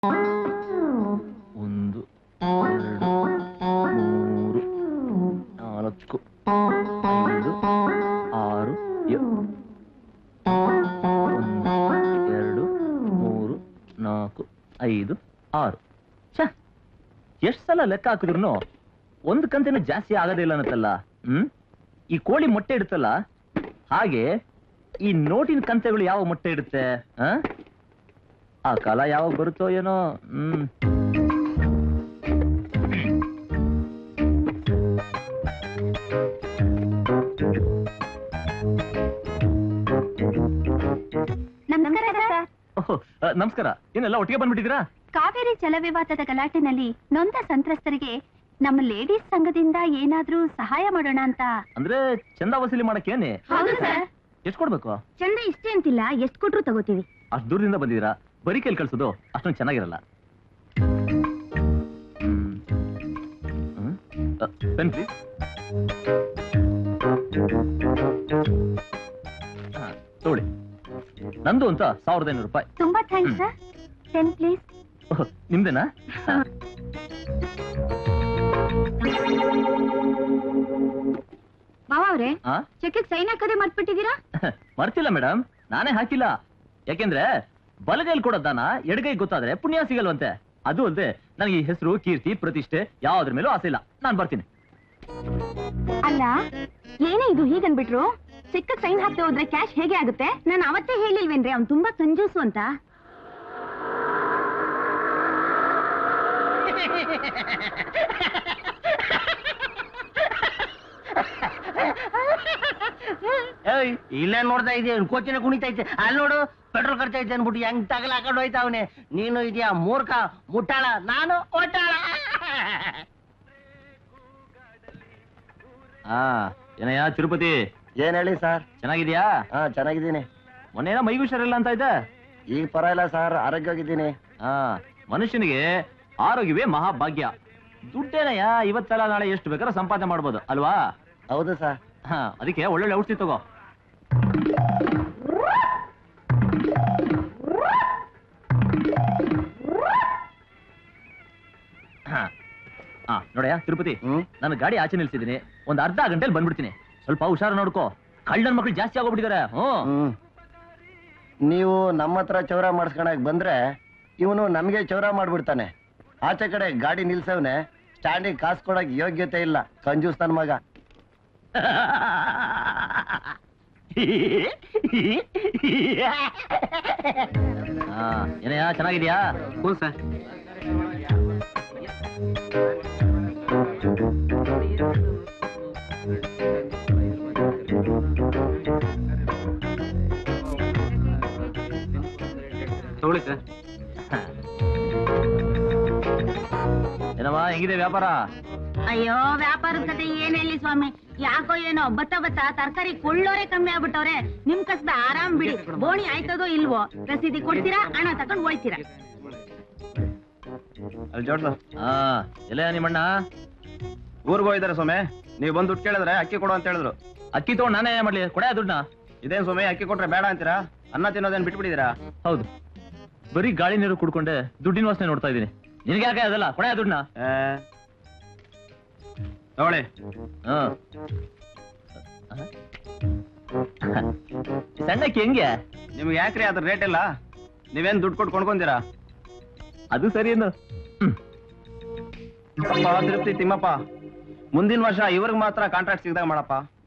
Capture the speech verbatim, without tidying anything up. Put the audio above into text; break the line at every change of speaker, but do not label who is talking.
ಒಂದು ಎರಡು ಮೂರು ನಾಲ್ಕು ಐದು ಆರು ಒಂದು ಎರಡು ಮೂರು ನಾಲ್ಕು ಐದು ಆರು. ಛ, ಎಷ್ಟು ಸಲ ಲೆಕ್ಕ ಹಾಕಿದ್ರು ಒಂದು ಕಂತಿನ ಜಾಸ್ತಿ ಆಗೋದಿಲ್ಲ ಅನ್ನತ್ತಲ್ಲ. ಹ್ಮ್ ಈ ಕೋಳಿ ಮೊಟ್ಟೆ ಇಡುತ್ತಲ್ಲ ಹಾಗೆ ಈ ನೋಟಿನ ಕಂತೆಗಳು ಯಾವ ಮೊಟ್ಟೆ ಇಡುತ್ತೆ? ಆ ಕಾಲ ಯಾವಾಗ ಬರುತ್ತೋ ಏನೋ. ಹ್ಮ್ ನಮಸ್ಕಾರ. ಏನೆಲ್ಲ ಒಟ್ಟಿಗೆ ಬಂದ್ಬಿಟ್ಟಿದ್ದೀರಾ?
ಕಾವೇರಿ ಜಲ ವಿವಾದದ ಗಲಾಟೆನಲ್ಲಿ ನೊಂದ ಸಂತ್ರಸ್ತರಿಗೆ ನಮ್ಮ ಲೇಡೀಸ್ ಸಂಘದಿಂದ ಏನಾದ್ರೂ ಸಹಾಯ ಮಾಡೋಣ ಅಂತ.
ಅಂದ್ರೆ ಚಂದ ವಸೂಲಿ ಮಾಡಕ್ಕೇನೆ?
ಹೌದು ಸರ್.
ಎಷ್ಟು ಕೊಡ್ಬೇಕು?
ಚಂದ ಇಷ್ಟೇ ಅಂತಿಲ್ಲ, ಎಷ್ಟು ಕೊಟ್ರು ತಗೋತೀವಿ.
ಅಷ್ಟು ದೂರದಿಂದ ಬಂದಿದ್ದೀರಾ, ಬರೀ ಕೈಲಿ ಕಳ್ಸೋದು ಅಷ್ಟೊಂದು ಚೆನ್ನಾಗಿರಲ್ಲ. Pen please. ತಗೊಳ್ಳಿ. ನಂದು ಅಂತ ಸಾವಿರದ ಐನೂರು ರೂಪಾಯಿ.
ತುಂಬಾ ಥ್ಯಾಂಕ್ಸ್ ಸರ್. Pen please.
ನಿಮ್ದೇನಾ?
ಮಾವ ಅವ್ರೆ, ಚೆಕ್ ಸೈನ್ ಹಾಕೋದೇ ಮರ್ತ್ಬಿಟ್ಟಿದ್ದೀರಾ?
ಮರ್ತಿಲ್ಲ ಮೇಡಮ್, ನಾನೇ ಹಾಕಿಲ್ಲ. ಯಾಕೆಂದ್ರೆ ಬಲಗೈಲಿ ಕೊಡೋ ದಾನ ಎಡಗೈ ಗೊತ್ತಾದ್ರೆ ಪುಣ್ಯ ಸಿಗಲ್ವಂತೆ. ಅದು ಅಲ್ಲದೆ ನನಗೆ ಈ ಹೆಸರು, ಕೀರ್ತಿ, ಪ್ರತಿಷ್ಠೆ ಯಾವ್ದ್ರ ಮೇಲೂ ಆಸೆ ಇಲ್ಲ. ನಾನ್ ಬರ್ತೀನಿ.
ಅಲ್ಲ, ಏನೇ ಇದು ಹೀಗನ್ಬಿಟ್ರು? ಚೆಕ್ ಸೈನ್ ಹಾಕಿ ಹೋದ್ರೆ ಕ್ಯಾಶ್ ಹೇಗೆ ಆಗುತ್ತೆ? ನಾನು ಅವತ್ತೇ ಹೇಳಿಲ್ವೇನ್ರಿ ಅವ್ನು ತುಂಬಾ ಕಂಜೂಸು ಅಂತ.
ಇಲ್ಲ ನೋಡ್ತಾ ಇದೆಯಾ, ಕೋಚಿನ ಕುಣಿತೈತೆ. ಅಲ್ಲಿ ನೋಡು, ಪೆಟ್ರೋಲ್ ಖರ್ಚೈತೆ ಅನ್ಬಿಟ್ಟು ಹೆಂಗ್ ತಗಲ ಹಾಕೊಂಡು ಹೋಯ್ತಾವನೆ. ನೀನು ಇದೆಯಾ ಮೂರ್ಖ ಮುಟ್ಟಾಳ, ನಾನು ಒಟ್ಟಾಳ.
ಹಾ ಏನಯ್ಯ ತಿರುಪತಿ?
ಏನ್ ಹೇಳಿ ಸರ್?
ಚೆನ್ನಾಗಿದ್ಯಾ?
ಹಾ ಚೆನ್ನಾಗಿದ್ದೀನಿ.
ಮೊನ್ನೆನ ಮೈಗೂ ಹುಷಾರಿಲ್ಲ ಅಂತ ಇದೆ.
ಈಗ ಪರವಾಗಿಲ್ಲ ಸರ್, ಆರೋಗ್ಯವಾಗಿದ್ದೀನಿ.
ಹಾ, ಮನುಷ್ಯನಿಗೆ ಆರೋಗ್ಯವೇ ಮಹಾಭಾಗ್ಯ. ದುಡ್ಡೇನಯ್ಯ ಇವತ್ತೆಲ್ಲ ನಾಳೆ ಎಷ್ಟು ಬೇಕಾದ್ರೂ ಸಂಪಾದನೆ ಮಾಡ್ಬೋದು ಅಲ್ವಾ?
ಹೌದು ಸರ್.
ಹಾ, ಅದಕ್ಕೆ ಒಳ್ಳೊಳ್ಳೆ ಔಷಧಿ ತಗೋ. ಹಾ ಹಾ ನೋಡಯ್ಯ ತಿರುಪತಿ, ನಾನು ಗಾಡಿ ಆಚೆ ನಿಲ್ಸಿದ್ದೀನಿ. ಒಂದ್ ಅರ್ಧ ಗಂಟೆಲಿ ಬಂದ್ಬಿಡ್ತೀನಿ. ಸ್ವಲ್ಪ ಹುಷಾರು ನೋಡ್ಕೋ. ಕಳ್ಳನ ಮಕ್ಳು ಜಾಸ್ತಿ ಆಗೋಗ್ಬಿಟ್ಟಿದ್ದಾರೆ. ಹ್ಮ್
ನೀವು ನಮ್ಮ ಹತ್ರ ಚೌರ ಮಾಡಿಸ್ಕೊಳಕ್ ಬಂದ್ರೆ ಇವನು ನಮ್ಗೆ ಚೌರ ಮಾಡ್ಬಿಡ್ತಾನೆ. ಆಚೆ ಕಡೆ ಗಾಡಿ ನಿಲ್ಸವ್ನೆ, ಸ್ಟ್ಯಾಂಡಿಗೆ ಕಾಸು ಕೊಡಕ್ ಯೋಗ್ಯತೆ ಇಲ್ಲ. ಕಂಜೂಸ್ ನನ್ ಮಗ.
ಏನಯ್ಯ ಚೆನ್ನಾಗಿದ್ಯಾ? ಹ್ಞೂ ಸರ್. ತಗೊಳ್ಳಿ ಸರ್. ಏನಮ್ಮ ಹೆಂಗಿದೆ ವ್ಯಾಪಾರ?
ಅಯ್ಯೋ, ವ್ಯಾಪಾರದ ಕತೆ ಏನ್ ಹೇಳಿ ಸ್ವಾಮಿ. ಯಾಕೋ ಏನೋ ಬತ್ತ ಬತ್ತ ತರಕಾರಿ ಕೊಳ್ಳೋರೆ ಕಮ್ಮಿ ಆಗ್ಬಿಟ್ಟವ್ರೆ. ನಿಮ್ ಕಸದ ಆರಾಮ್ ಬಿಡಿ. ಬೋಣಿ ಆಯ್ತದೋ ಇಲ್ವೋ, ರಸೀದಿ ಕೊಡ್ತೀರಾ, ಹಣ ತಕೊಂಡ್ ಹೋಯ್ತೀರಾ.
ಅಲ್ಲಿ ಜೋಡ್ಸ. ಹಾ, ಎಲ್ಲ ನಿಮ್ಮಣ್ಣ
ಊರ್ಗ್ ಹೋಗಿದಾರೆ ಸೊಮೆ. ನೀವು ಬಂದು ದುಡ್ಡು ಕೇಳಿದ್ರೆ ಅಕ್ಕಿ ಕೊಡು ಅಂತ ಹೇಳಿದ್ರು.
ಅಕ್ಕಿ ತಗೊಂಡು ನಾನೇ ಮಾಡ್ಲಿ? ಕೊಡ ದುಡ್ಡನ್ನ.
ಇದೇನ್ ಸೊಮೆ, ಅಕ್ಕಿ ಕೊಟ್ರೆ ಬೇಡ ಅಂತೀರಾ? ಅನ್ನ ತಿನ್ನೋದೇನ್ ಬಿಟ್ಬಿಟ್ಟಿದ್ದೀರಾ?
ಹೌದು, ಬರೀ ಗಾಳಿ ನೀರು ಕುಡ್ಕೊಂಡೆ ದುಡ್ಡಿನ ವಾಸನೆ ನೋಡ್ತಾ ಇದೀನಿ. ನಿನ್ಗೆ ಯಾಕೆ ಅದಲ್ಲ? ಕೊಡ ದುಡ್ಡನ್ನ.
ತಗೊಳ್ಳಿ.
ಹಾ, ಸಣ್ಣಕ್ಕೆ ಹೆಂಗೆ?
ನಿಮ್ಗೆ ಯಾಕ್ರಿ ಅದ್ರ ರೇಟ್ ಇಲ್ಲ? ನೀವೇನ್ ದುಡ್ಡು ಕೊಟ್ಟು ಕೊಂಡ್ಕೊಂತೀರಾ?
ಅದು ಸರಿ ಏನು.
ತಿರುಪ್ತಿ ತಿಮ್ಮಪ್ಪ, ಮುಂದಿನ ವರ್ಷ ಇವ್ರಿಗೆ ಮಾತ್ರ ಕಾಂಟ್ರಾಕ್ಟ್ ಸಿಗ್ದಾಗ ಮಾಡಪ್ಪ.